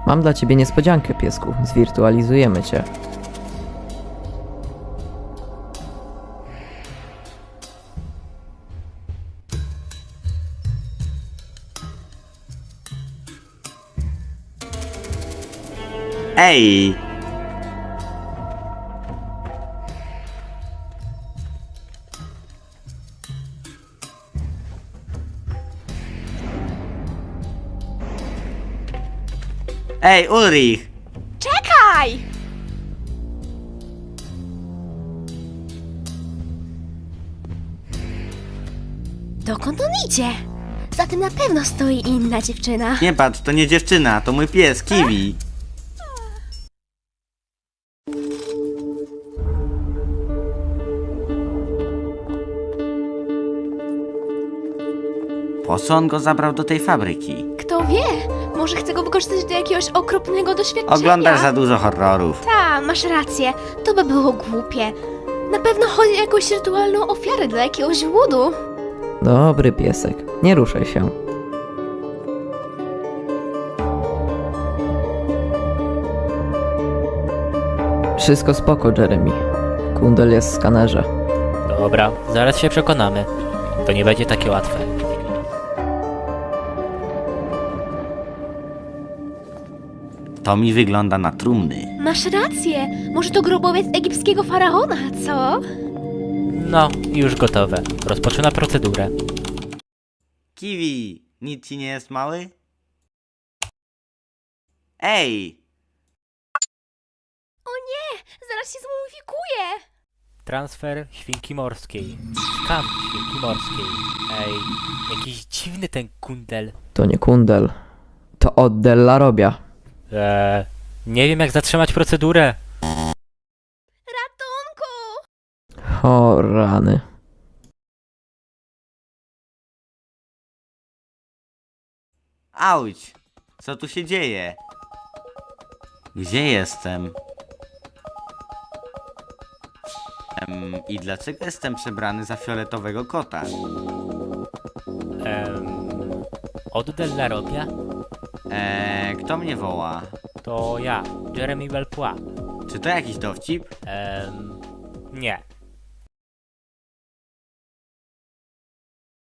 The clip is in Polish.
Mam dla ciebie niespodziankę, piesku. Zwirtualizujemy cię. Ej! Ej, Ulrich! Czekaj! Dokąd on idzie? Za tym na pewno stoi inna dziewczyna. Nie patrz, to nie dziewczyna, to mój pies, Kiwi. Po co on go zabrał do tej fabryki? Kto wie? Może chce go wykorzystać do jakiegoś okropnego doświadczenia. Oglądasz za dużo horrorów. Ta, masz rację. To by było głupie. Na pewno chodzi o jakąś rytualną ofiarę dla jakiegoś ludu. Dobry piesek. Nie ruszaj się. Wszystko spoko, Jeremy. Kundel jest w skanerze. Dobra, zaraz się przekonamy. To nie będzie takie łatwe. To mi wygląda na trumny. Masz rację. Może to grobowiec egipskiego faraona, co? No, już gotowe. Rozpoczyna procedurę. Kiwi, nic ci nie jest mały? Ej! O nie! Zaraz się zmumifikuję! Transfer świnki morskiej. Skam świnki morskiej. Ej, jakiś dziwny ten kundel. To nie kundel. To od Della Robia. Nie wiem jak zatrzymać procedurę. Ratunku! O rany. Auć! Co tu się dzieje? Gdzie jestem? I dlaczego jestem przebrany za fioletowego kota? Od Della Robia? Kto mnie woła? To ja, Jeremy Belpois. Czy to jakiś dowcip? Nie.